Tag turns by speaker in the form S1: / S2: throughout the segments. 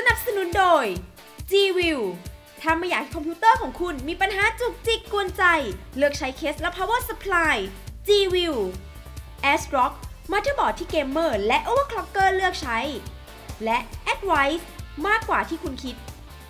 S1: นับสนุนโดย G-View ถ้าไม่อยากให้คอมพิวเตอร์ของคุณมีปัญหาจุกจิกกวนใจเลือกใช้เคสและ power supply G-View ASRock มัลติบอร์ดที่เกมเมอร์และ overclocker เลือกใช้และ Advice มากกว่าที่คุณคิด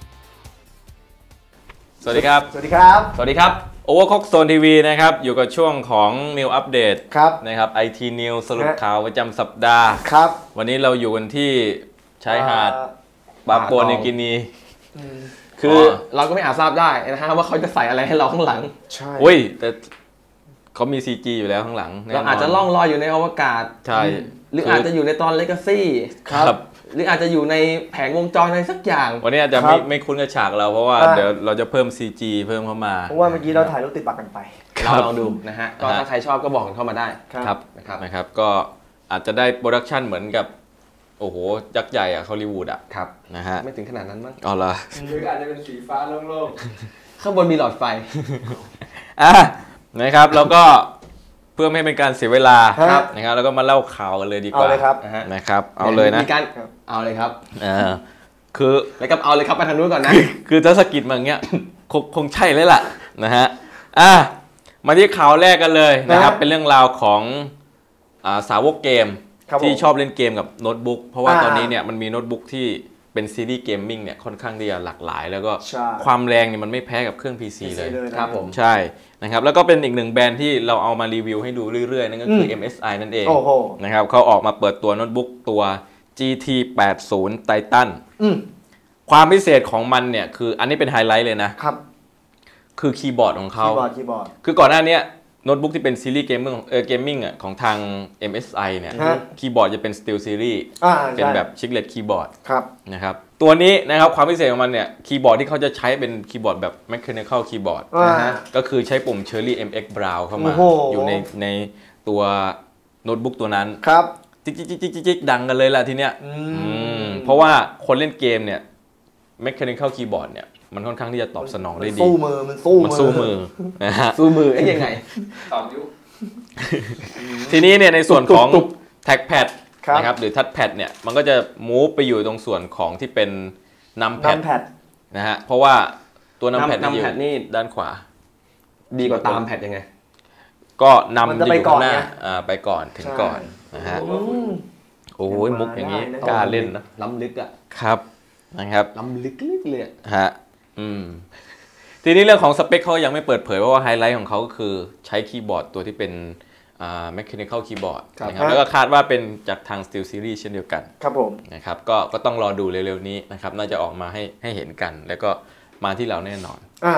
S2: สวัสดีครับ
S3: สวัสดีครับ
S2: สวัสดีครับ Overclock Zone TV นะครับอยู่กับช่วงของ New Update
S3: ครับ
S2: นะครับ IT News สรุปข่าวประจำสัปดาห์
S3: ครับ
S2: วันนี้เราอยู่กันที่ชายหาดปาปัวนิวกินี
S4: คือเราก็ไม่อาจทราบได้นะฮะว่าเขาจะใส่อะไรให้เราข้างหลัง
S3: ใช่
S2: อุ้ยแต่เขามี CG อยู่แล้วข้างหลัง
S4: เราอาจจะล่องลอยอยู่ในอวกาศ
S2: ใช่
S4: หรืออาจจะอยู่ในตอน Legacy
S2: ครับ
S4: หรืออาจจะอยู่ในแผงวงจรอะไรสักอย่าง
S2: วันนี้อาจจะไม่คุ้นกับฉากเราเพราะว่าเดี๋ยวเราจะเพิ่ม CG เพิ่มเข้ามา
S3: เพราะว่าเมื่อกี้เราถ่ายรูปติดปากกันไป
S4: เราลองดูนะฮะก็ถ้าใครชอบก็บอกกันเข้ามาได้
S2: ครับนะครับก็อาจจะได้โปรดักชันเหมือนกับโอ้โหยักษ์ใหญ่อะฮอลลีวูดอะ
S4: ครับ
S2: นะฮะ
S4: ไม่ถึงขนาดนั้นมั้ง
S2: อ๋อเหรอ
S4: หรืออาจจะเป็นสีฟ้าโล่งๆข้างบนมีหลอดไฟ
S2: นะครับแล้วก็เพื่อไม่ให้เป็นการเสียเวลานะครับแล้วก็มาเล่าข่าวกันเลยดีกว่า
S3: เอาเลยครับ
S2: นะครับเอาเลยนะ
S4: มีการเอาเลยครับ
S2: คือ
S4: แล้วก็เอาเลยครับไปทางนู้นก่อนนะ
S2: คือถ้าสกิดมาอย่างเงี้ยคงใช่เลยล่ะนะฮะมาที่ข่าวแรกกันเลยนะครับเป็นเรื่องราวของสาวกเกมที่ชอบเล่นเกมกับโน้ตบุ๊กเพราะว่าตอนนี้เนี่ยมันมีโน้ตบุ๊กที่เป็นซีรีส์เกมมิ่งเนี่ยค่อนข้างที่จะหลากหลายแล้วก็ความแรงเนี่ยมันไม่แพ้กับเครื่อง PC เลย
S4: ครับผม
S2: ใช่นะครับแล้วก็เป็นอีกหนึ่งแบรนด์ที่เราเอามารีวิวให้ดูเรื่อยๆนั่นก็คือ MSI นั่นเองนะครับเขาออกมาเปิดตัวโน้ตบุ๊กตัว GT 80 Titan ความพิเศษของมันเนี่ยคืออันนี้เป็นไฮไลท์เลยนะครับคือคีย์บอร์ดของเขาคือก่อนหน้านี้โน้ตบุ๊กที่เป็นซีรีส์เกมมิ่งของทาง MSI เนี่ยคีย์บอร์ดจะเป็น Steel Series เป็นแบบชิคเลตคีย์บอร์ดนะครับตัวนี้นะครับความพิเศษของมันเนี่ยคีย์บอร์ดที่เขาจะใช้เป็นคีย์บอร์ดแบบ Mechanical Keyboard ก็คือใช้ปุ่ม Cherry MX Brown เข้ามาอยู่ในตัวโน้ตบุ๊กตัวนั้นจิ๊กดังกันเลยล่ะทีเนี้ยเพราะว่าคนเล่นเกมเนี่ย Mechanical Keyboard เนี่ยมันค่อนข้างที่จะตอบสนองได้ดี
S3: มันสู้มือ
S2: นะฮะ
S4: สู้มือยังไง
S2: ตอบยุทีนี้เนี่ยในส่วนของ Trackpad นะครับหรือ Touchpad เนี่ยมันก็จะมูฟไปอยู่ตรงส่วนของที่เป็น Numpad นะฮะเพราะว่าตัว Numpad นี่ด้านขวา
S4: ดีกว่าตามแพดยังไง
S2: ก็นำจะอยู่ข้างหน้าไปก่อนถึงก่อนนะฮะโอ้ยมุกอย่างนี้กล้าเล่นนะ
S4: ล้ำลึกอ่ะ
S2: ครับนะครับ
S4: ล้ำลึกเลย
S2: ฮะทีนี้เรื่องของสเปคเขายังไม่เปิดเผยเพราะว่าไฮไลท์ของเขาก็คือใช้คีย์บอร์ดตัวที่เป็นmechanical keyboard นะครับแล้วก็คาดว่าเป็นจากทาง Steel Series เช่นเดียวกัน
S3: ครับผม
S2: นะครับก็ต้องรอดูเร็วๆนี้นะครับน่าจะออกมาให้เห็นกันแล้วก็มาที่เราแน่นอน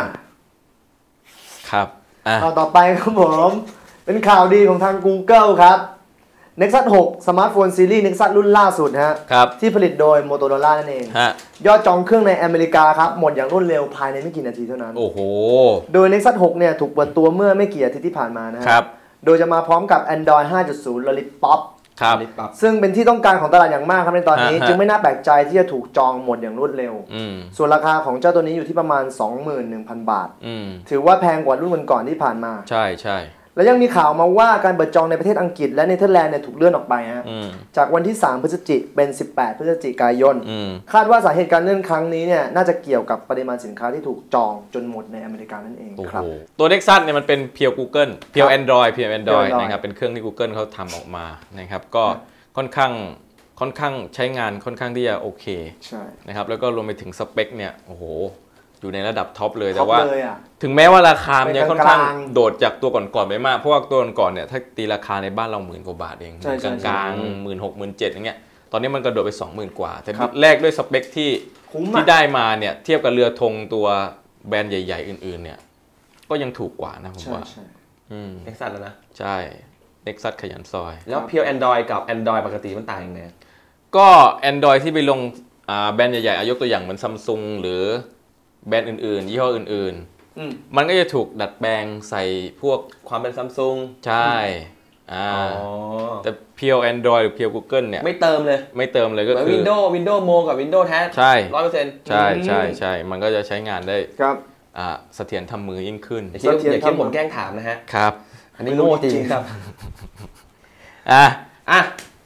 S2: ครับ
S3: ข่าวต่อไปครับผมเป็นข่าวดีของทาง Google ครับ Nexus 6 สมาร์ทโฟนซีรีส์ Nexus รุ่นล่าสุดฮะที่ผลิตโดย Motorola นั่นเองยอดจองเครื่องในอเมริกาครับหมดอย่างรวดเร็วภายในไม่กี่นาทีเท่านั้น
S2: โอ้โห
S3: โดย Nexus 6 เนี่ยถูกเปิดตัวเมื่อไม่กี่อาทิตย์ที่ผ่านมานะครับโดยจะมาพร้อมกับ Android 5.0 Lollipop ซึ่งเป็นที่ต้องการของตลาดอย่างมากครับในตอนนี้จึงไม่น่าแปลกใจที่จะถูกจองหมดอย่างรวดเร็วส่วนราคาของเจ้าตัวนี้อยู่ที่ประมาณ 21,000 บาทถือว่าแพงกว่ารุ่นก่อนๆที่ผ่านมา
S2: ใช่ใช่
S3: และยังมีข่าวมาว่าการเปิดจองในประเทศอังกฤษและเนเธอร์แลนด์เนี่ยถูกเลื่อนออกไปฮะจากวันที่3พฤศจิกายนเป็น18พฤศจิกายนคาดว่าสาเหตุการเลื่อนครั้งนี้เนี่ยน่าจะเกี่ยวกับปริมาณสินค้าที่ถูกจองจนหมดในอเมริกานั่นเองครับ
S2: ตัว Nexus เนี่ยมันเป็นเพียว Google เพียว Android นะครับเป็นเครื่องที่ Google เขาทำออกมานะครับก็ค่อนข้างใช้งานค่อนข้างที่จะโอเคนะครับแล้วก็รวมไปถึงสเปคเนี่ยโอ้โหอยู่ในระดับท็อปเลยแต่ว่าถึงแม้ว่าราคามันยังค่อนข้างโดดจากตัวก่อนๆไปมากเพราะว่าตัวก่อนเนี่ยถ้าตีราคาในบ้านเรา10,000 กว่าบาทเองกลางๆ 16,000 17,000อย่างเงี้ยตอนนี้มันกระโดดไป 20,000 กว่าแต่แรกด้วยสเปคที่ได้มาเนี่ยเทียบกับเรือธงตัวแบรนด์ใหญ่ๆอื่นๆเนี่ยก็ยังถูกกว่านะผมว่า
S4: Nexus แล้วนะ
S2: ใช่ Nexus ขยันซอย
S4: แล้วเพียว Android กับ Android ปกติมันต่างยังไง
S2: ก็ Android ที่ไปลงแบรนด์ใหญ่ๆยกตัวอย่างเหมือน Samsung หรือแบรนด์อื่นๆยี่ห้ออื่นๆมันก็จะถูกดัดแปลงใส่พวก
S4: ความเป็น Samsung
S2: ใช่แต่เพียว Android หรือเพียว Google เนี่ย
S4: ไม่เติมเลย
S2: ก็คือ
S4: Windows Mo กับ Windows แท้ 100%
S2: ใช่มันก็จะใช้งานได้เสถียรทำมือยิ่งขึ้น
S4: อย่าคิดผมแกล้งถามนะฮะ
S2: ครับ
S4: อันนี้โง่จริงครับ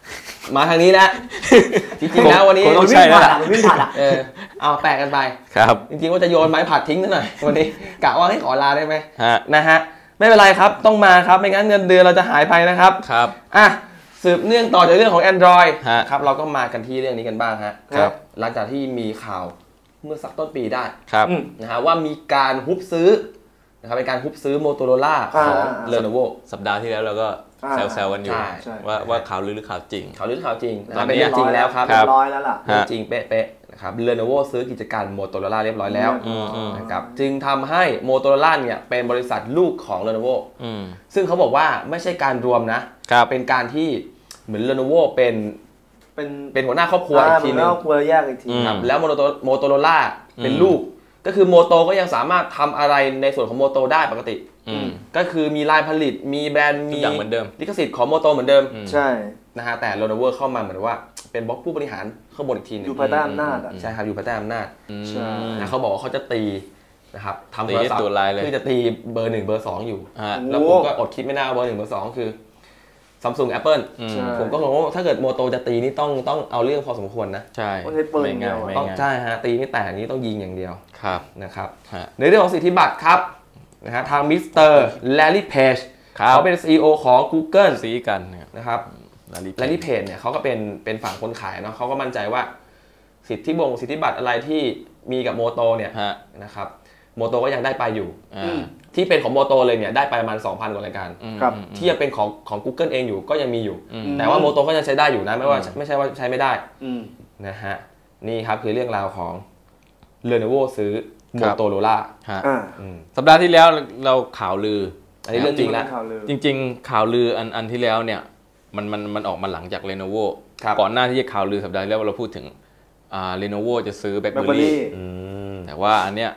S4: มาทางนี้แล้วจริงๆแล้ววันนี้
S2: ต้องใช่แล้ว
S3: มันวิ่งผ่านอ่ะ
S4: เอาแปลกันไป
S2: ครับ
S4: จริงๆว่าจะโยนไม้ผัดทิ้งซะหน่อยวันนี้กะว่าให้ขอลาได้ไหม
S2: ฮะ
S4: นะฮะไม่เป็นไรครับต้องมาครับไม่งั้นเงินเดือนเราจะหายไปนะครับ
S2: ครับ
S4: อ่ะสืบเนื่องต่อจากเรื่องของ Android
S2: ฮะ
S4: ครับเราก็มากันที่เรื่องนี้กันบ้างฮะ
S2: ครับ
S4: หลังจากที่มีข่าวเมื่อสักต้นปีได้
S2: ครับ
S4: นะฮะว่ามีการฮุบซื้อนะครับเป็นการฮุบซื้อ Motorola ของ Lenovo
S2: สัปดาห์ที่แล้วเราก็แซวๆกันอยู่
S4: ใช่
S2: ว่าข่าวลือหรือข่าวจริง
S4: ข่าวลือข่าวจริงนะ
S2: ตอนนี้
S4: เป็นเรื่องจริงแล้วครับ
S3: เรียบร้อยแล้วล่ะ
S2: ฮะ
S4: จริงเป๊ะๆนะครับ Lenovo ซื้อกิจการ Motorola เรียบร้อยแล้ว นะครับจึงทำให้ Motorola เนี่ยเป็นบริษัทลูกของ Lenovo ซึ่งเขาบอกว่าไม่ใช่การรวมนะเป็นการที่เหมือน Lenovo เป็นหัวหน้าครอบครัวอีกทีนึง
S3: ครอบครัวแยกอีกที
S4: ครับแล้ว Motorola เป็นลูกก็คือโมโตก็ยังสามารถทำอะไรในส่วนของโมโตได้ปกติก็คือมีลายผลิตมีแบรนด์มี
S2: อย่างเหมือนเดิม
S4: ลิขสิทธิ์ของโมโตเหมือนเดิม
S3: ใช่
S4: นะฮะแต่ Lenovo เข้ามาเหมือนว่าเป็นบล็อกผู้บริหารข้างบนอีกทีนึง
S3: อยู่ภายใต้อำนาจอ่ะ
S4: ใช่ครับอยู่ภายใต้อำนาจ
S3: ใช่
S4: นะเขาบอกว่าเขาจะตีนะครับทำ
S2: ตี
S4: โทร
S2: ให้
S4: ศัพท์
S2: ตัวลายเลย
S4: คือจะตีเบอร์1เบอร์2อยู่
S2: ฮะ
S4: แล้วผมก็อดคิดไม่ได้ว่าเบอร์1เบอร์2คือ Samsung Apple
S3: ใช่
S4: ผมก็งงว่าถ้าเกิดโมโตจะตีนี่ต้องเอาเรื่องพอสมควรนะ
S2: ใช่
S3: ต้องใช้ปืน
S2: ไม่ง่าย
S3: เดียว
S2: ไม่
S4: ต้อง
S2: ง่าย
S4: ใช่ฮะตีไม่แตกนี้ต้องยิงอย่างเดียว
S2: ครับ
S4: นะครับ
S2: ฮะ
S4: ในเรื่องของสิทธิบัตรครับนะฮะทางมิสเตอร์แลลี่เพจ
S2: ครับ
S4: เขาเป็น CEO ของ Google
S2: ซีกันเนี่ย
S4: นะครับแลลี่เพจเนี่ยเขาก็เป็นฝั่งคนขายเนาะเขาก็มั่นใจว่าสิทธิบัตรอะไรที่มีกับโมโตเนี่ย
S2: ฮะ
S4: นะครับโมโตก็ยังได้ไปอยู่
S2: อ่า
S4: ที่เป็นของโมโตเลยเนี่ยได้ไปประมาณ 2,000 กว่ารายการ
S3: ครับ
S4: ที่ยังเป็นของ Google เองอยู่ก็ยังมีอยู่ แต่ว่าโมโตก็ยังใช้ได้อยู่นะไม่ใช่ว่าใช้ไม่ได้นะฮะนี่ครับคือเรื่องราวของ Lenovo ซื้อ Motorola
S2: ฮะ
S3: อ่า
S2: สัปดาห์ที่แล้วเราข่าวลือ
S4: อันนี้เรื่องจริงแล้ว
S3: ข่าวลือ
S2: จริงๆ ข่าวลืออันที่แล้วเนี่ยมันออกมาหลังจาก Lenovo
S4: ครับ
S2: ก่อนหน้าที่จะข่าวลือสัปดาห์ที่แล้วเราพูดถึงLenovo จะซื้อ BlackBerry แต่ว่าอันเนี้ย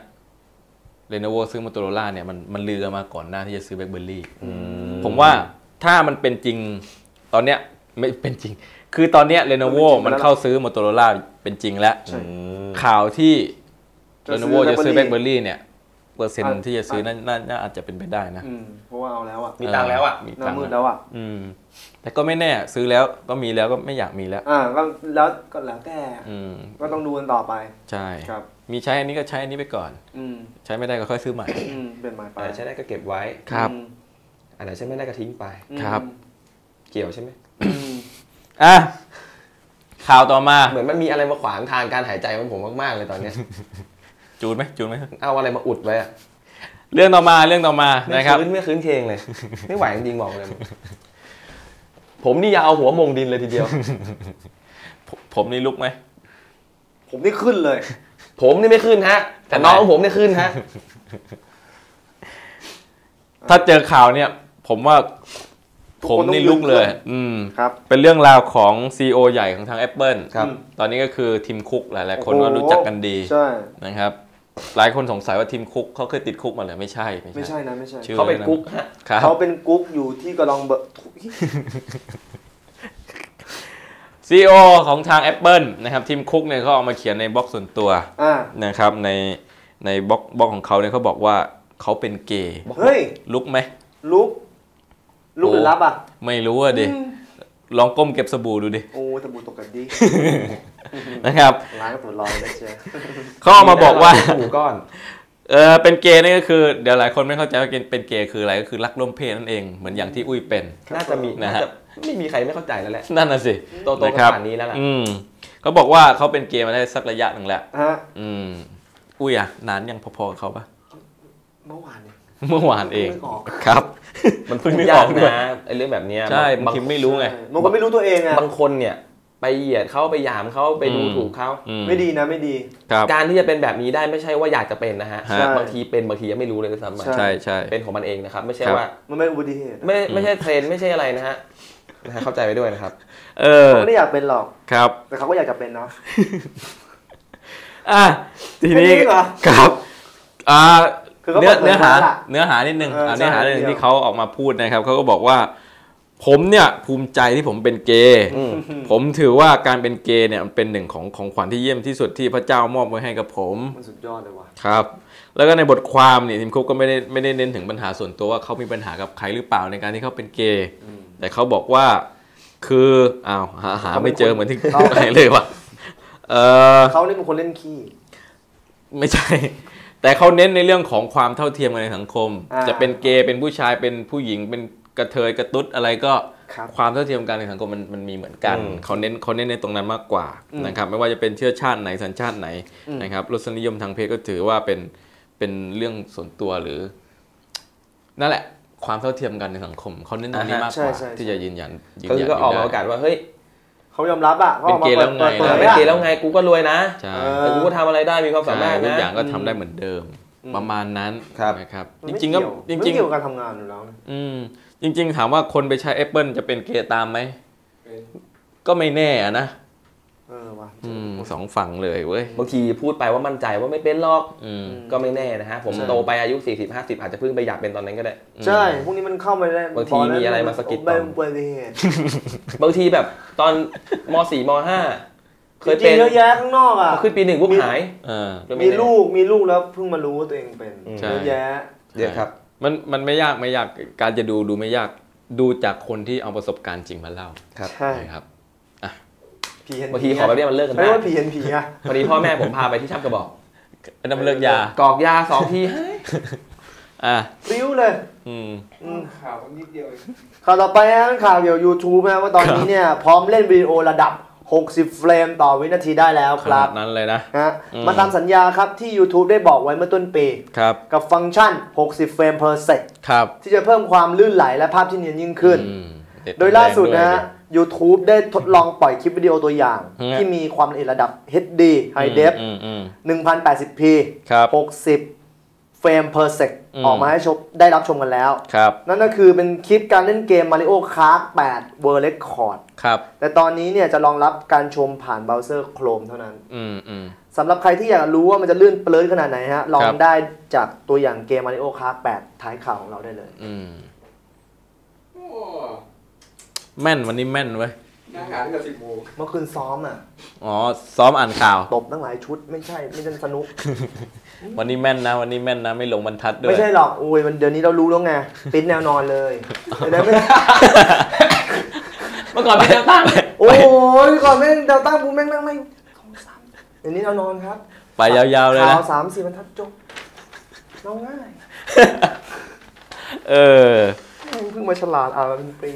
S2: Lenovo ซื้อ Motorola เนี่ยมันลือกันมาก่อนหน้าที่จะซื้อ BlackBerry ผมว่าถ้ามันเป็นจริงตอนเนี้ยไม่เป็นจริง คือตอนเนี้ย Lenovo มันเข้าซื้อ Motorola เป็นจริงแล้วข่าวที่ Lenovo จะซื้อ BlackBerry เนี่ยเปอร์เซ็นต์ที่จะซื้อน่าอาจจะเป็นไปได้นะ
S3: เพราะว่าเอาแล้วอ่ะ
S4: มีตังค์แล้วอ่ะ
S2: มี
S3: หน้า
S2: ตังค์
S3: มืดแล้วอ่ะ
S2: แต่ก็ไม่แน่ซื้อแล้วก็มีแล้วก็ไม่อยากมีแล้ว
S3: ก็แล้วแต่ ก็ต้องดูกันต่อไป
S2: ใช่
S3: ครับ
S2: มีใช้อันนี้ก็ใช้อันนี้ไปก่อน ใช้ไม่ได้ก็ค่อยซื้อใหม่
S3: เป็นหมายไป
S4: ใช้ได้ก็เก็บไว้
S2: ครับ
S4: อันไหนใช้ไม่ได้ก็ทิ้งไป
S2: ครับ
S4: เกี่ยวใช่ไหม
S2: อ่ะข่าวต่อมา
S4: เหมือนมันมีอะไรมาขวางทางการหายใจของผมมากๆเลยตอนเนี้ย
S2: จูนไหม
S4: เอาอะไรมาอุดไว้อะ
S2: เรื่องต่อมานะครับ
S4: ไม่คืนเคงเลย ไม่ไหวจริงๆบอกเลย ผมนี่อยากเอาหัวมงดินเลยทีเดียว
S2: ผมนี่ลุกไหม
S3: ผมนี่ขึ้นเลย
S4: ผมนี่ไม่ขึ้นฮะ แต่น้องของผมเนี่ยขึ้นฮะ
S2: ถ้าเจอข่าวเนี่ย ผมว่าผมนี่ลุกเลย
S3: ครับ
S2: เป็นเรื่องราวของ CEO ใหญ่ของทาง Apple
S4: ครับ
S2: ตอนนี้ก็คือทีมคุกหลายๆคนก็รู้จักกันดี
S3: ใช่
S2: นะครับ หลายคนสงสัยว่าทีมคุกเขาเคยติดคุกมาหรือไม่ใช่
S3: ไม่ใช่นะไม่ใช่
S2: ชื่อ
S4: เขาเป็นกุ๊กฮะ
S2: ครับ
S3: เขาเป็นกุ๊กอยู่ที่กระดองเบอร์
S2: CEO ของทาง Apple นะครับทีมคุกเนี่ยเขาเอามาเขียนในบล็อกส่วนตัวนะครับในบล็อกของเขาเนี่ยเขาบอกว่าเขาเป็นเกย์
S3: เฮ้ย
S2: ลุกไหม
S3: ลุกหรือรับอ่ะ
S2: ไม่รู้อ่ะดิลองก้มเก็บสบู่ดูดิ
S3: โอ้สบู่ตกกันดิ
S2: นะครับ
S3: ล้างตัวลอยได้เชียว
S2: เขาเอามาบอกว่า
S4: หมูก้อน
S2: เป็นเกย์นี่ก็คือเดี๋ยวหลายคนไม่เข้าใจว่าเป็นเกย์คืออะไรก็คือรักร่วมเพศนั่นเองเหมือนอย่างที่อุ้ยเป็น
S4: น่าจะมี
S2: นะฮะ
S4: ไม่มีใครไม่เข้าใจแล้วแหละ
S2: นั่นน่ะสิ
S4: โตๆ
S2: นะครับ
S4: ขนาดนี้แล้วล่ะ
S2: เขาบอกว่าเขาเป็นเกย์มาได้สักระยะหนึ่งแล้ว
S3: ฮะ
S2: อุ้ยอ่ะนานยังพอๆกับเขาปะ
S3: เมื่อวานเนี่ย
S2: เมื่อวานเอง
S3: นึกออก
S2: ครับ
S4: มันเพิ่งนึกออกนะไอ้เรื่องแบบเนี้ย
S2: ใช่บางทีไม่รู้ไง
S3: บางคนไม่รู้ตัวเองอ่ะ
S4: บางคนเนี่ยไปเหยียดเขาไปหยามเขาไปดูถูกเขา
S3: ไม่ดีนะไม่ดี
S2: ครับ
S4: การที่จะเป็นแบบนี้ได้ไม่ใช่ว่าอยากจะเป็นนะฮะ
S2: ใช่
S4: บางทีเป็นบางทียังไม่รู้เลยด้วยซ้ำไป
S2: ใช่ใช่
S4: เป็นของมันเองนะครับไม่ใช่
S2: ครับ
S4: ว่า
S3: มันไม่อุบัติเหตุ
S4: ไม่ใช่เทรนด์ไม่ใช่อะไรนะฮะเข้าใจไปด้วยนะครับ
S3: เขาไม่ได้อยากเป็นหรอก
S2: ครับ
S3: แต่เขาก็อยากจะเป็นเนาะ
S2: ทีนี้
S3: แค่นี้เหรอ
S2: ครับ
S3: คือเขา
S2: เนื้อหา
S3: เปิดเผยแล้วล่ะ
S2: เนื้อหานิดนึง
S3: ใช่
S2: เนื้อหานิดนึง
S3: เดี๋ยว
S2: ที่เขาออกมาพูดนะครับเขาก็บอกว่า ผมเนี่ยภูมิใจที่ผมเป็นเกย์ผมถือว่าการเป็นเกย์เนี่ยมันเป็นหนึ่งของขวัญที่เยี่ยมที่สุดที่พระเจ้ามอบไว้ให้กับผม
S3: มันสุดยอดเลยว่ะ
S2: ครับ แล้วก็ในบทความเนี่ยทีมคุกก็ไม่ได้เน้นถึงปัญหาส่วนตัวว่าเขามีปัญหากับใครหรือเปล่าในการที่เขาเป็นเกย์แต่เขาบอกว่าคือหาไม่เจอเหมือนที่ไหนเลยว่ะ
S3: เขาเนี่ยเป็นคนเล่นขี้
S2: ไม่ใช่แต่เขาเน้นในเรื่องของความเท่าเทียมกันในสังคมจะเป็นเกย์เป็นผู้ชายเป็นผู้หญิงเป็นกระเทยกระตุ๊ดอะไรก็ความเท่าเทียมกันในสังคมมันมีเหมือนกันเขาเน้นในตรงนั้นมากกว่านะครับไม่ว่าจะเป็นเชื้อชาติไหนสัญชาติไหนนะครับรสนิยมทางเพศก็ถือว่าเป็นเรื่องส่วนตัวหรือนั่นแหละความเท่าเทียมกันในสังคมเขาเน้นตรงนี้มากกว่าที่จะยืนยัน
S4: ก็ออกมาประกาศว่าเฮ้ย
S3: เขายอมรับอ่ะ
S2: เป็นเกย์แล้วไง
S4: เป็นเกย์แล้วไงกูก็รวยนะแต่กูก็ทำอะไรได้มีความสามารถนะ
S2: ทุกอย่างก็ทำได้เหมือนเดิมประมาณนั้นนะครับจริงๆก็
S3: จริงๆเกี่ยวกับการทำงานอยู่แล้ว
S2: จริงๆถามว่าคนไปใช้ Apple จะเป็นเกย์ตามไหมก็ไม่แน่นะสองฝั่งเลยเว้ย
S4: บางทีพูดไปว่ามั่นใจว่าไม่เป็นหรอกก็ไม่แน่นะฮะผมโตไปอายุ40-50อาจจะเพิ่งไปอยากเป็นตอนนั้นก็ได้
S3: ใช่พวกนี้มันเข้ามาได้
S4: บางทีมีอะไรมาสกิดต่อบางทีแบบตอนม.4 ม.5 เคยเป็น
S3: เยอะแยะข้างนอกอ่ะ
S4: ขึ้นปี 1ปุ๊บหาย
S3: มีลูกแล้วเพิ่งมารู้ว่าตัวเองเป็นเยอะแยะ
S4: เยอะครับ
S2: มันไม่ยากการจะดูไม่ยากดูจากคนที่เอาประสบการณ์จริงมาเล่า
S3: ใช่
S2: ครับ
S4: บางทีขอแบบนี้มันเลิกกันได้
S3: ไม่ว่าPNPอะ
S4: พอดีพ่อแม่ผมพาไปที่ชักกระบอก
S2: น้ำเลิกยาก
S4: อกยา2 ที
S3: ปิ้วเลยข่าวนิดเดียวข่าวต่อไปนะข่าวเกี่ยวกับ YouTube นะว่าตอนนี้เนี่ยพร้อมเล่นวิดีโอระดับ60เฟรมต่อวินาทีได้แล้วครับ
S2: นั้นเลยนะ
S3: มาตามสัญญาครับที่ YouTube ได้บอกไว้เมื่อต้นปีกับฟังก์ชัน60เฟรม per sec ที่จะเพิ่มความลื่นไหลและภาพที่เนียนยิ่งขึ้นโดยล่าสุดนะ YouTube ได้ทดลองปล่อยคลิปวิดีโอตัวอย่างที่มีความละเอียดระดับ HD High Def 1080p 60เฟรม per sec ออกมาให้ได้รับชมกันแล้วนั่นก็คือเป็นคลิปการเล่นเกม Mario Kart 8 World Record แต่ตอนนี้เนี่ยจะรองรับการชมผ่านเบราว์เซอร์ Chrome เท่านั้นสำหรับใครที่อยากรู้ว่ามันจะลื่นเปลื้อนขนาดไหนฮะลองได้จากตัวอย่างเกม Mario Kart 8 ท้ายข่าวของเราได้เลย
S2: แม่นวันนี้แม่นเว้ย
S3: นั่งอ่านตั้งแต่10 โมงเมื่อคืนซ้อมอ่ะ
S2: ซ้อมอ่านข่าว
S3: ตบตั้งหลายชุดไม่ใช่สนุก
S2: วันนี้แม่นนะไม่หลงบรรทัดด้วย
S3: ไม่ใช่หรอกโอ้ยมันเดี๋ยวนี้เรารู้แล้วไงปิ้นแนวนอนเลยเ
S4: มื่อก่อนเป็นแนวตั้ง
S3: โอ้ยก่อนแม่งแนวตั้งกูแม่งไม่เดี๋ยวนี้เรานอนครับ
S2: ไปยาวๆเลยนะ
S3: ข่าว3-4 บรรทัดจบเราง่ายเพิ่งมาฉลาดเป็นปี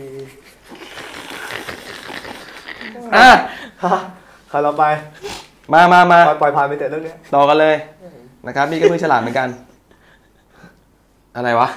S3: ข่าวเราไป
S4: มา
S3: ปล่อยผ่านไปแต่เรื่องนี้
S4: ต่อกันเลยนะครับนี่ก็เพิ่งฉลาดเหมือนกันอะไรวะ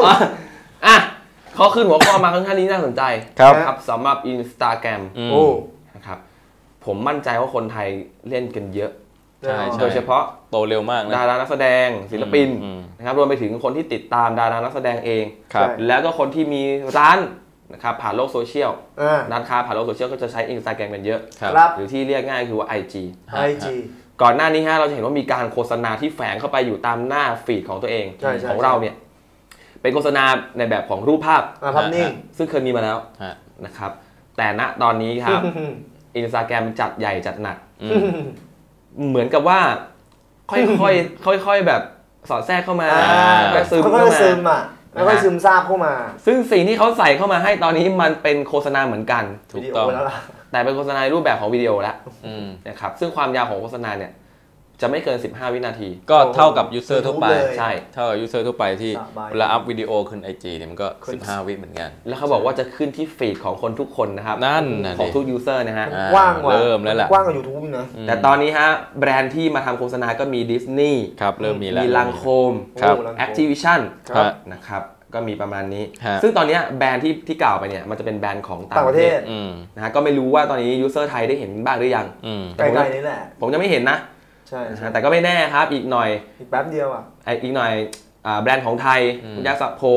S4: เขาขึ้นหัวข้อมาค่อนข้างนี้น่าสนใจครับสำหรับ Instagram นะครับผมมั่นใจว่าคนไทยเล่นกันเยอะโดยเฉพาะ
S2: โตเร็วมากนะ
S4: ดารานักแสดงศิลปินนะครับรวมไปถึงคนที่ติดตามดารานักแสดงเองแล้วก็คนที่มีร้านนะครับผ่านโลกโซเชียลร้านค้าผ่านโลกโซเชียลก็จะใช้ Instagram กันเยอะหรือที่เรียกง่ายคือว่า IG ก่อนหน้านี้เราจะเห็นว่ามีการโฆษณาที่แฝงเข้าไปอยู่ตามหน้าฟีดของตัวเองของเราเนี่ยเป็นโฆษณาในแบบของรูปภาพ
S3: นิ่ง
S4: ซึ่งเคยมีมาแล้วนะครับแต่ณตอนนี้ครับ Instagram จัดใหญ่จัดหนักเหมือนกับว่าค่อยๆแบบสอดแทรกเข้ามา
S3: ค่อยๆซึมค่อยๆซึมซาบเข้ามา
S4: ซึ่งสิ่งที่เขาใส่เข้ามาให้ตอนนี้มันเป็นโฆษณาเหมือนกัน
S2: ถูกต้อง
S4: แต่เป็นโฆษณาในรูปแบบของวิดีโอแล้วนะครับซึ่งความยาวของโฆษณาเนี่ยจะไม่เกิน15 วินาที
S2: ก็เท่ากับยูเซอร์ทั่วไปใช่เท่ากับยูเซอร์ทั่วไปที่เวลาอัพวิดีโอขึ้น IG เนี่ยมันก็15 วิเหมือนกัน
S4: แล้วเขาบอกว่าจะขึ้นที่ฟีดของคนทุกคนนะครับ
S2: นั่น
S4: ของทุกยูเซอร์นะฮะ
S3: กว้าง
S2: เริ่มแล้วแหละ
S3: กว้างกว่า YouTube นะ
S4: แต่ตอนนี้ฮะแบรนด์ที่มาทำโฆษณาก็มีดิสนีย์
S2: ครับเริ่มมีแล้ว
S4: มีลังโคม Activision นะครับก็มีประมาณนี้ซึ่งตอนนี้แบรนด์ที่กล่าวไปเนี่ยมันจะเป็นแบรนด์ของต่างประเทศนะฮะก็ไม่รู้ว่าตอนนี้ยูเซอร์ไทยได้เห็นบ้างหรือยัง
S3: ใกล้ๆนี้แหละ
S4: ผมยังไม่เห็นนะ
S3: ใช่
S4: แต่ก็ไม่แน่ครับอีกหน่อย
S3: อีกแป๊บเดียว
S4: อีกหน่อยแบรนด์ของไทยยาสระผม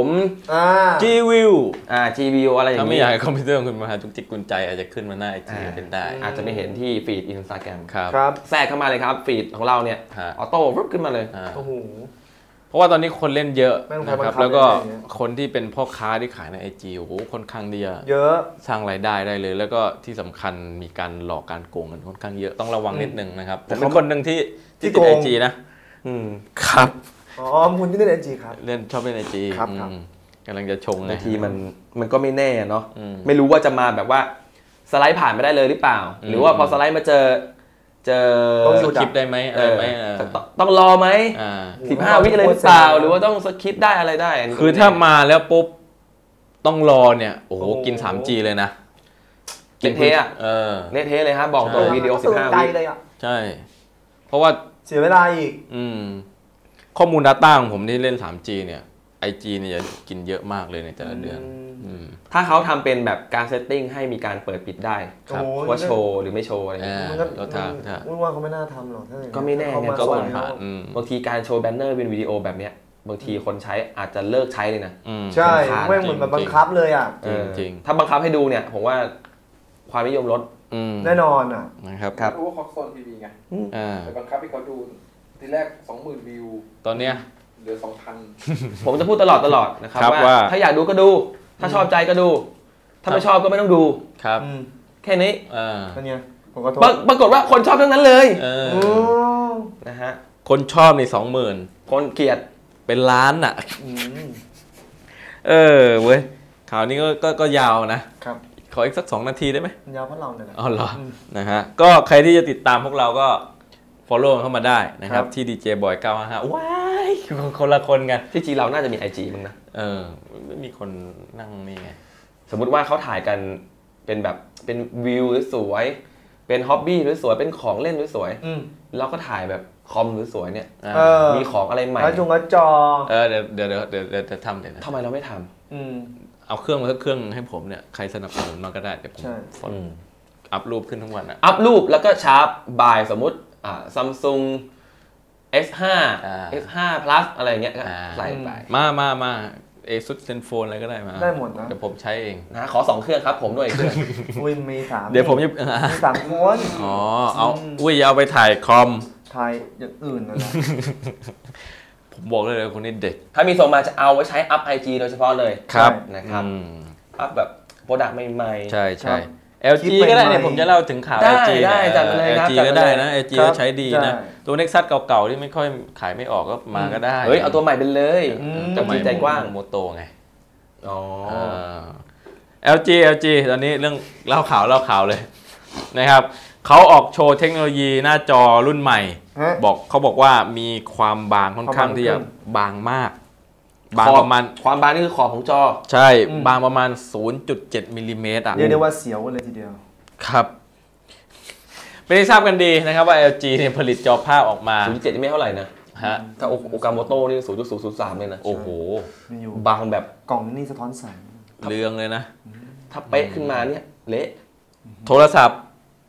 S2: G-View
S4: G-View อะไรอย่างนี้
S2: ถ้าไม่อยากให้คอมพิวเตอร์คุณมาจุกจิกกุญใจอาจจะขึ้นมาหน้า IG เป็นได้
S4: อาจจะไม่เห็นที่ฟีด Instagram
S3: ครับ
S4: แทรกเข้ามาเลยครับฟีดของเราเนี่ยออโต้รึบขึ้นมาเลย
S3: โอ้โห
S2: เพราะว่าตอนนี้คนเล่นเยอะนะครับแล้วก็คนที่เป็นพ่อค้าที่ขายใน IG โอ้โหค่อนข้างเยอะสร้างรายได้ได้เลยแล้วก็ที่สำคัญมีการหลอกการโกงกันค่อนข้างเยอะต้องระวังนิดนึงนะครับผมเป็นคนหนึ่งที่ติด IG นะครับ
S3: คุณที่เล่น IG ครับ
S2: ชอบเล่น IG
S3: ครับ
S2: กำลังจะชง
S4: บางทีมันก็ไม่แน่เนาะไม่รู้ว่าจะมาแบบว่าสไลด์ผ่านไม่ได้เลยหรือเปล่าหรือว่าพอสไลด์มาเจอ
S2: สคริปได้ไหม
S4: ต้องรอไหม15 วิเลยหรือเปล่าหรือว่าต้องสคริปได้อะไรได้
S2: คือถ้ามาแล้วปุ๊บต้องรอเนี่ยโอ้โหกิน 3G เลยนะ
S4: เละเทะเละเทะเลยครับบอกตัววิดีโอ15 วิ
S2: ใช่เพราะว่า
S3: เสียเวลาอีก
S2: ข้อมูล Data ของผมที่เล่น 3G เนี่ย IG เนี่ยจะกินเยอะมากเลยในแต่ละเดือน
S4: ถ้าเขาทำเป็นแบบการเซตติ้งให้มีการเปิดปิดได้ว่าโชว์หรือไม่โชว์อะไรอย่างเงี้ย
S3: ว่าเขาไม่น่าทำหรอก
S4: ก็ไม่แน่ไงก็บางทีการโชว์แบนเนอร์เป็นวิดีโอแบบเนี้ยบางทีคนใช้อาจจะเลิกใช้เลยนะ
S3: ใช่ไม่เหมือนแบบบังคับเลยอ่ะ
S2: จริง
S4: ถ้าบังคับให้ดูเนี่ยผมว่าความนิยมลด
S3: แน่นอนอ่ะ
S2: นะครับ
S5: รู้ว่าเขาโซนทีวีไงแต่บังคับให้เขาดูทีแรก 20,000 วิว
S2: ตอนเนี้ย
S5: เหลือ 2,000
S4: ผมจะพูดตลอดนะครับว่าถ้าอยากดูก็ดูถ้าชอบใจก็ดูถ้าไม่ชอบก็ไม่ต้องดู
S2: ครับ
S4: แค่นี้
S3: เป็นไง
S4: ปรากฏว่าคนชอบทั้งนั้นเลยนะฮะ
S2: คนชอบใน 20,000
S4: คนเกลียด
S2: เป็นล้านอ่ะเว้ยข่าวนี้ก็ยาวนะครับขออีกสัก2 นาทีได้ไหม
S3: ยาวเพราะเราเนี่ย
S2: อ๋อเหรอนะฮะก็ใครที่จะติดตามพวกเราก็ follow เข้ามาได้นะครับที่ DJ Boy 955ว้ายคนละคนกัน
S4: ที่จริงเราน่าจะมี IG มั้งนะ
S2: ไม่มีคนนั่งนี่ไง
S4: สมมุติว่าเขาถ่ายกันเป็นแบบเป็นวิวหรือสวยเป็นฮ็อบบี้หรือสวยเป็นของเล่นหรือสวยเราก็ถ่ายแบบคอมหรือสวยเนี่ยมีของอะไรใหม่
S3: แล้วจอ
S2: เดี๋ยวจะทำเดี๋ยวนะ
S4: ทำไมเราไม่ท
S2: ำเอาเครื่องให้ผมเนี่ยใครสนับสนุนมาก็ได้เดี๋ยวผมอัพรูปขึ้นทั้งวัน
S4: อัพรูปแล้วก็ชาร์ปบายสมมุติSamsung S5 S5 Plus อะไรเงี้ยก็ใส่ไป
S2: มาASUS ZenFone อะไรก็ได้มา
S3: ได้หมดนะ
S2: เดี๋ยวผมใช้เอง
S4: นะขอ2 เครื่องครับผมด้วยเครื่อง
S3: มี3
S2: เดี๋ยวผมจะ
S3: มี3 คน
S2: เอาอย่าเอาไปถ่ายคอม
S3: ถ่ายอย่างอื่นนะ
S2: ผมบอกเลยคนนี้เด็ก
S4: ถ้ามีส่งมาจะเอาไว้ใช้อัพ IG โดยเฉพาะเลย
S2: ครับ
S4: นะครับอัพแบบโปรดักต์ใหม่
S2: ๆใช่LG ก็ได้เนี่ยผมจะเล่าถึงข่าว LG
S4: ได้จัดเลยครับ
S2: LG ก็ได้นะ LG ก็ใช้ดีนะตัว Nexus เก่าๆที่ไม่ค่อยขายไม่ออกก็มาก็ได้
S4: เฮ้ยเอาตัวใหม่เป็นเลย
S2: จะมีใจกว้างโมโตไงLG ตอนนี้เรื่องเล่าข่าวเลยนะครับเขาออกโชว์เทคโนโลยีหน้าจอรุ่นใหม่เขาบอกว่ามีความบางค่อนข้างที่จะบางมากบางประมาณ
S4: ความบางนี่คือขอบของจอ
S2: ใช่บางประมาณ 0.7 มิลลิเมตร
S3: เรียกได้ว่าเสียวเลยทีเดียว
S2: ครับไม่ได้ทราบกันดีนะครับว่า LG เนี่ยผลิตจอภาพออกมา
S4: 0.7 ไม่เท่าไหร่นะถ้าโอกาโมโต้นี่ 0.003 เลยนะ
S2: โอ้โห
S4: บางแบบ
S3: กล่องนี่สะท้อนแสง
S2: เรืองเลยนะ
S4: ถ้าเป๊ะขึ้นมาเนี่ยเละ
S2: โทรศัพท์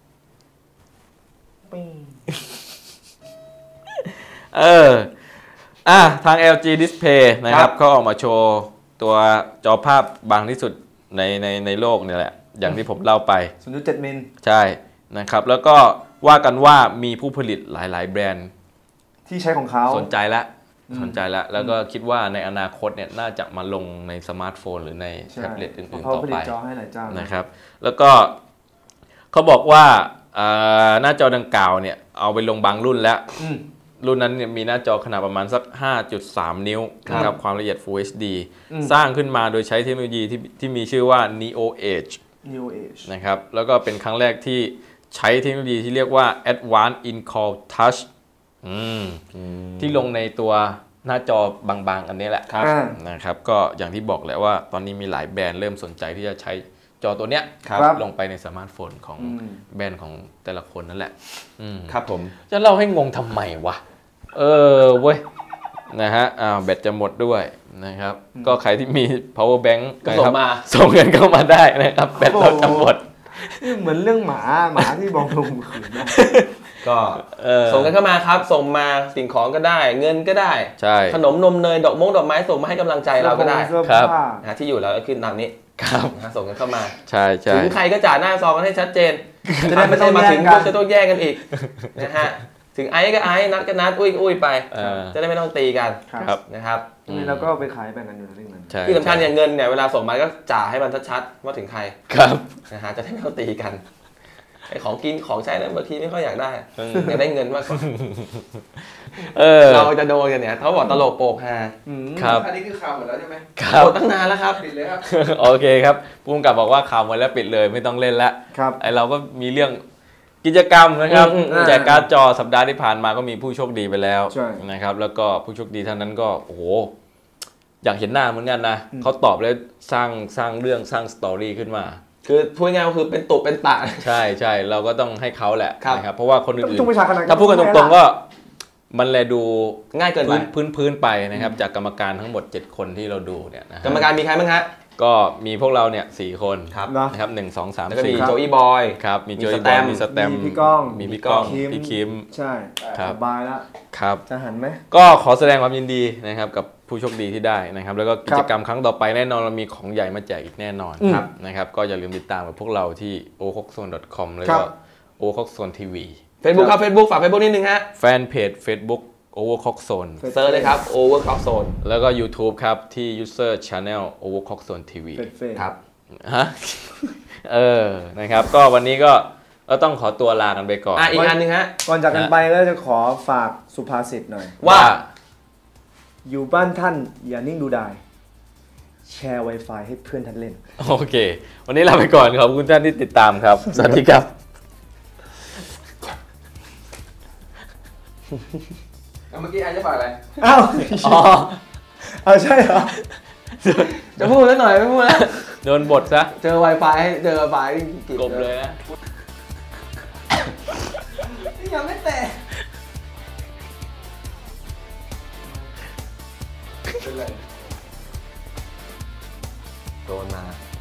S2: ทาง LG Display นะครับเขาออกมาโชว์ตัวจอภาพบางที่สุดในโลกนี่แหละอย่างที่ผมเล่าไป
S3: 0.7 มิล
S2: ใช่นะครับแล้วก็ว่ากันว่ามีผู้ผลิตหลายๆแบรนด์
S3: ที่ใช้ของเขา
S2: สนใจแล้วแล้วก็คิดว่าในอนาคตเนี่ยน่าจะมาลงในสมาร์ทโฟนหรือในแท็บเล็ตอื่นๆต่อไปนะครับแล้วก็เขาบอกว่าหน้าจอดังกล่าวเนี่ยเอาไปลงบางรุ่นแล้วรุ่นนั้นเนี่ยมีหน้าจอขนาดประมาณสัก 5.3 นิ้วนะครับความละเอียด Full HD สร้างขึ้นมาโดยใช้เทคโนโลยีที่มีชื่อว่า Neo Edge นะครับแล้วก็เป็นครั้งแรกที่ใช้เทคโนโลยีที่เรียกว่า Advanced In-Car Touch ที่ลงในตัวหน้าจอบางๆอันนี้แหละนะครับก็อย่างที่บอกแหละว่าตอนนี้มีหลายแบรนด์เริ่มสนใจที่จะใช้จอตัวเนี้ยลงไปในสมาร์ทโฟนของแบรนด์ของแต่ละคนนั่นแหละ
S4: ครับผม
S2: จะเล่าให้งงทำไมวะเว้ยนะฮะแบตจะหมดด้วยนะครับก็ใครที่มี power bank ก็ส่งเงินเข้ามาได้นะครับแบตเราจะหมด
S3: เหมือนเรื่องหมาที่บอกลงขืนนะ
S4: ก็ส่งกันเข้ามาครับส่งมาสิ่งของก็ได้เงินก็ได้ขนมนมเนยดอกไม้ส่งมาให้กำลังใจเราก็ได้
S2: ครับ
S4: ที่อยู่แล้วขึ้นตามนี้
S2: ครับ
S4: ส่งกันเข้ามา
S2: ใช่
S4: ถึงใครก็จ่าหน้าซองกันให้ชัดเจนจะได้ไม่ต้องมาถึงก็จะต้องแย่งกันอีกนะฮะถึงไอ้ก็ไอ้นัดก็นัดอุ้ยไปจะได้ไม่ต้องตีกันนะครับ
S3: นี่เราก็ไปขายแบ่งกันอยู่เรื่องนั้น
S4: ที่สำคัญอย่างเงินเนี่ยเวลาส่งมาก็จ่าให้มันชัดๆว่าถึงใคร
S2: ครับ
S4: นะฮะจะได้ไม่ต้องตีกันไอของกินของใช้นั้นบางทีไม่ค่อยอยากได้อยากได้เงินมากกว่าเราจะโดนกันเนี่ยเขาบอกตลกโปกฮา
S2: ครับ
S5: อันนี้คือข่าวหมดแล้วใช่ไหม
S4: หมดตั้งนานแล้วครับ
S5: ปิดเลยครับ
S2: โอเคครับผู้กำกับบอกว่าข่าวหมดแล้วปิดเลยไม่ต้องเล่นแล้วไอเราก็มีเรื่องกิจกรรมนะครับแจกการ์ดจอสัปดาห์ที่ผ่านมาก็มีผู้โชคดีไปแล้วนะครับแล้วก็ผู้โชคดีท่านนั้นก็โอ้โหอยากเห็นหน้าเหมือนกันนะเขาตอบแล้วสร้างเรื่องสร้างสตอรี่ขึ้นมา
S4: คือพูดง่ายๆคือเป็นตุเป็นตะ
S2: ใช่เราก็ต้องให้เขาแหละนะครับเพราะว่าคนอื่น
S3: ๆ
S2: ถ้าพูดกันตรงๆก็มันแลดู
S4: ง่ายเกินไป
S2: พื้นไปนะครับจากกรรมการทั้งหมด7คนที่เราดูเนี่ย
S4: กรรมการมีใครบ้างฮะ
S2: ก็มีพวกเราเนี่ย4คนนะครับ1 2 3 4
S4: แล้วก็มีโจอี้บอย
S2: ครับมีโจอี้บอยมีสแตม
S3: มีพี่ก้อง
S2: มีพี่ก้องพี่คิม
S3: ใช่สบายแล้ว
S2: ครับ
S3: จะหันไหม
S2: ก็ขอแสดงความยินดีนะครับกับผู้โชคดีที่ได้นะครับแล้วก็กิจกรรมครั้งต่อไปแน่นอนเรามีของใหญ่มาแจกอีกแน่นอนนะครับก็อย่าลืมติดตามกับพวกเราที่ ocockzone.com แล้วก็ ocockzone TV
S4: Facebook ครับ Facebook ฝาก Facebook นิดนึงฮะ
S2: แฟนเพจ Facebook Overclockzone
S4: เซิร์ชเลยครับ Overclockzone
S2: แล้วก็ YouTube ครับที่ User Channel Overclockzone TV
S4: ครับ
S2: ฮะนะครับก็วันนี้ก็ต้องขอตัวลากันไปก่อน
S4: อีกอันนึงฮะ
S3: ก่อนจากกันไปก็จะขอฝากสุภาษิตหน่อย
S2: ว่า
S3: อยู่บ้านท่านอย่านิ่งดูดายแชร์ Wi-Fi ให้เพื่อนท่านเล่น
S2: โอเควันนี้ลาไปก่อนขอบคุณท่านที่ติดตามครับสวัสดีครับ
S5: เมื่อกี้ไอ้จะฝากอะไร
S3: เอาใช่เหรอ
S4: จะพูดแล้วหน่อยไม่พูดแล้ว
S2: โดนบทซะ
S4: เจอ Wi-Fi เจอ Wi-Fi
S2: กบเลยนะ
S3: ยังไม่แตะ
S5: เป็นไร
S4: โดนมา